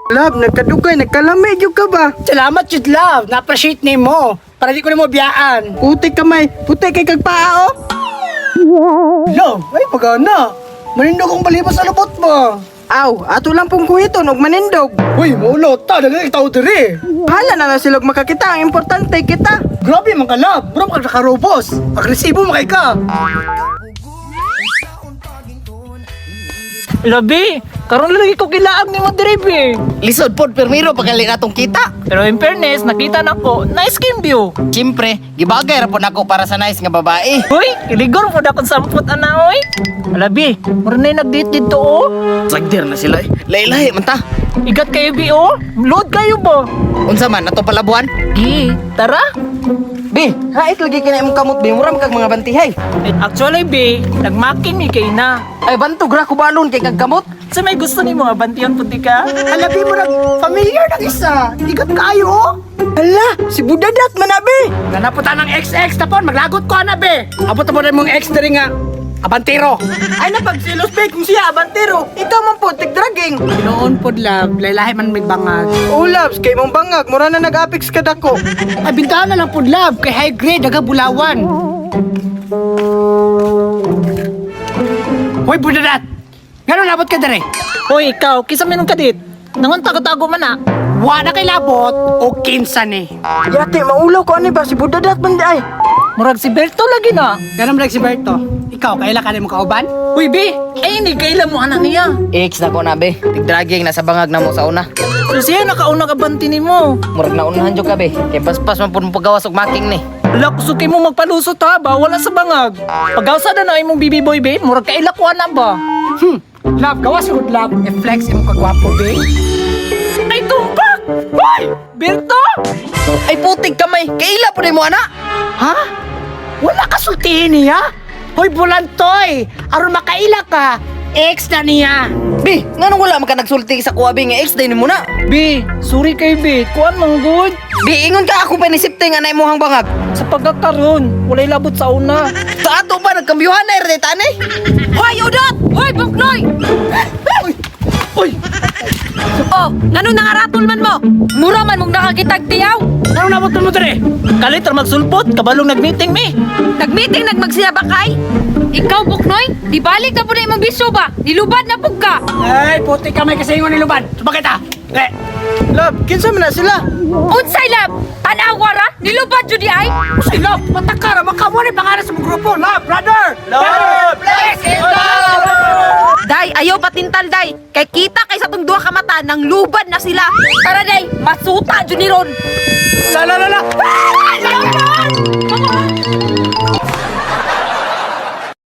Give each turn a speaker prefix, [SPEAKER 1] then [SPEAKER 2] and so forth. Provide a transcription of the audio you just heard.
[SPEAKER 1] Love, nagkadugay, nagkalami jud ka ba?
[SPEAKER 2] Salamat jud love, na-appreciate nimo. Para di ko nimo biyaan.
[SPEAKER 1] Puti kamay, puti kay kag paa oh.
[SPEAKER 2] Love, ay pagana. Manindog kong balibas sa lubot mo.
[SPEAKER 1] Aw, ato lang pong kuhiton og manindog.
[SPEAKER 2] Uy, maulot ta, dagang itaw diri.
[SPEAKER 1] Hala na silog makakita, ang importante kita.
[SPEAKER 2] Grabe man ka love, bro ka nakarobos. Agresibo man kay ka.
[SPEAKER 3] Labi, karon lagi ko kilaag ni mo diri.
[SPEAKER 4] Lisod pod permiro pagkali natong kita.
[SPEAKER 3] Pero in fairness, nakita na ko, nice skin view.
[SPEAKER 4] Siyempre, gibagay ra pod nako para sa nice nga babae.
[SPEAKER 3] Uy, iligor po na akong sampot ana, oy. Labi, mura na nag-date dito, oh.
[SPEAKER 4] Sagdir na sila eh. Lahi-lahi man ta.
[SPEAKER 3] Igat kayo, bi, oh. Load kayo ba?
[SPEAKER 4] Unsa man ato palabuan?
[SPEAKER 3] Gi, tara.
[SPEAKER 1] Bi, hait lagi kina imong kamot bi, muram kag mga bantihay.
[SPEAKER 3] Actually, bi, nagmaking mi kay na.
[SPEAKER 1] Ay bantog ra ko balon kay kag kamot.
[SPEAKER 3] Sa may gusto ni mga bantiyan puti ka?
[SPEAKER 2] Alabi mo nag familiar ng isa. Igat kayo.
[SPEAKER 1] Hala, si Budadat man na bi.
[SPEAKER 2] Nanaputa ng XX tapon, maglagot ko na be. Abot mo rin mong ex diri nga. Abantero.
[SPEAKER 1] Ay napagsilos bi kung siya abantero. Ikaw man po tigdragging.
[SPEAKER 2] Noon pod love, laylahi man may bangag.
[SPEAKER 1] Oh, loves, kay mong bangag, mura na nag-apex ka dako.
[SPEAKER 2] Ay bintahan na lang pod love, kay high grade, daga bulawan. Hoy budadat! Gano'n labot ka dere?
[SPEAKER 3] Hoy, ikaw, kisa minong kadit. Nangon tago-tago man na.
[SPEAKER 2] Wala kay labot o kinsa ni.
[SPEAKER 1] Yate, maulaw ko ani ba si Budadat man di ay.
[SPEAKER 3] Murag si Berto lagi na.
[SPEAKER 2] Gano'n mo si Berto? Ikaw, kaila ka mo kauban?
[SPEAKER 3] Uy, bi, ay hindi kailan mo anak niya.
[SPEAKER 4] Ex na ko na be. Tigdragging nasa bangag na mo sa una.
[SPEAKER 3] So siya nakauna ka banti ni mo.
[SPEAKER 4] Murag na unahan jud ka be. Kay paspas man pud mo pagawas og making ni.
[SPEAKER 3] Wala, kusuki mo magpalusot ha ba? Wala sa bangag. Pagawsa na na imong bibi boy, be, murag kailakwa na ba?
[SPEAKER 2] Love, gawas good love. I-flex mo kagwapo, be.
[SPEAKER 3] Ay, tumpak! Hoy! Berto!
[SPEAKER 4] Ay putig kamay. Kaila pud mo ana.
[SPEAKER 2] Ha? Wala ka sultihin niya? Hoy, bulantoy! Aron makaila ka, ex na niya.
[SPEAKER 4] Be, nganong wala man ka nagsulti sa kuwabi nga ex day ni mo na.
[SPEAKER 3] Be, sorry kay be. Kuan mang good.
[SPEAKER 4] Be, ingon ka ako panisipte nga na imong bangag.
[SPEAKER 3] Sa pagkakaroon, walay labot sa una.
[SPEAKER 4] Sa ato ba nagkambyuhan na rin tanay?
[SPEAKER 5] Hoy, Udot! Hoy, Buknoy!
[SPEAKER 2] Uy!
[SPEAKER 5] Oh, ngano nangaratol man mo? Mura man mong nakakitag tiyaw.
[SPEAKER 2] Anong nabot mo dere?
[SPEAKER 3] Kalit ra magsulpot, kabalong nag-meeting mi.
[SPEAKER 5] Nagmeeting nagmagsinabakay. Ikaw, Buknoy, di balik na po na imong bisyo ba? Nilubad na pug ka.
[SPEAKER 2] Ay, puti ka may kasingon ni Luban. Sumakit ha?
[SPEAKER 1] Love, kinsa man na sila?
[SPEAKER 5] Unsay lab? Tanawara? Nilubad jud di ay?
[SPEAKER 2] Say, love, matakara, makamo ni pangalan sa mong grupo. Love, brother!
[SPEAKER 1] Love,
[SPEAKER 2] bless it,
[SPEAKER 5] Day, ayaw patintal, Day. Kay kita kay sa tong duha ka mata nang lubad na sila. Tara, Day, masuta jud ni ron.
[SPEAKER 2] La la la la!